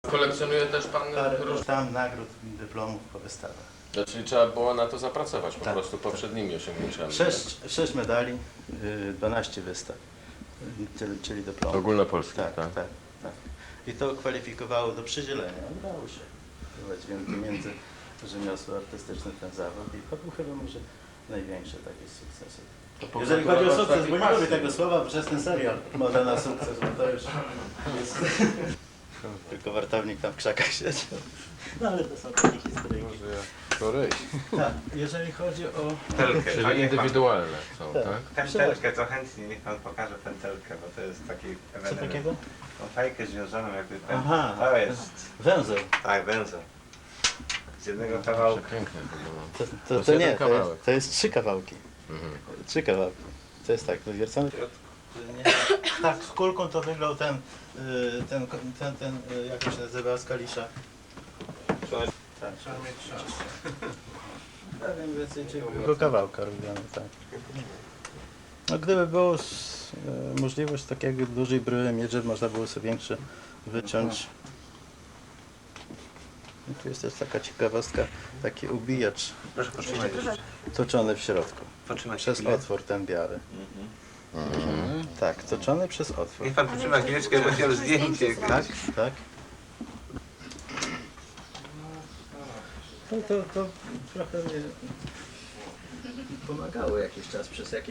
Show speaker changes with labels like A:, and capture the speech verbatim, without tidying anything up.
A: Kolekcjonuje też pan
B: Parę
A: różne...
B: tam nagród, dyplomów po wystawach.
A: Czyli trzeba było na to zapracować po
B: Tak,
A: prostu poprzednimi osiągnięciami.
B: Sześć, sześć medali, y, dwanaście wystaw, y, czyli, czyli dyplomów.
A: Ogólnopolskich,
B: Tak,
A: tak?
B: tak, tak. I to kwalifikowało do przydzielenia. Udało się wprowadzić między rzemiosło artystyczne ten zawód i to był chyba może największy taki sukces. Jeżeli chodzi o sukces, bo nie lubię tego słowa, bo przez ten serial Moda na sukces, bo to już jest... Tylko wartownik tam w krzakach siedział. No ale to są takie historie.
A: Koryś.
B: Tak, jeżeli chodzi o...
C: Telkę.
A: Czyli indywidualne są,
B: Tak.
A: tak?
C: Pętelkę, to chętnie niech pan pokaże pętelkę, bo to jest taki
B: Co
C: ewenement.
B: takiego?
C: Tą fajkę związaną jakby pętelkę.
B: Aha.
C: To jest,
B: Węzeł.
C: tak, węzeł. Z jednego kawałka.
A: Przepiękne to było.
B: To,
A: To
B: to,
A: jest
B: to
A: jeden
B: nie, to
A: kawałek.
B: jest, to jest trzy kawałki.
A: Mhm.
B: Trzy kawałki. To jest tak, wywiercony. Tak, z kulką to wyglądał ten, y, ten, ten, ten, y, jak to się nazywa, z Kalisza. Tak. Trzeba mieć czas. Ja wiem więcej, czy tylko kawałka robione, tak. No gdyby było s- y, możliwość takiego dużej bryły mieć, żeby można było sobie większe wyciąć. I tu jest też taka ciekawostka, taki ubijacz
C: Proszę potrzymać.
B: toczony w środku.
C: Potrzymać
B: Przez
C: chwilę.
B: otwór ten biały. Tak, toczony przez otwór.
C: Niech pan potrzyma chwileczkę, bo chciałem zdjęcie.
B: Tak, tak. No to, to trochę mnie pomagało jakiś czas przez jakiś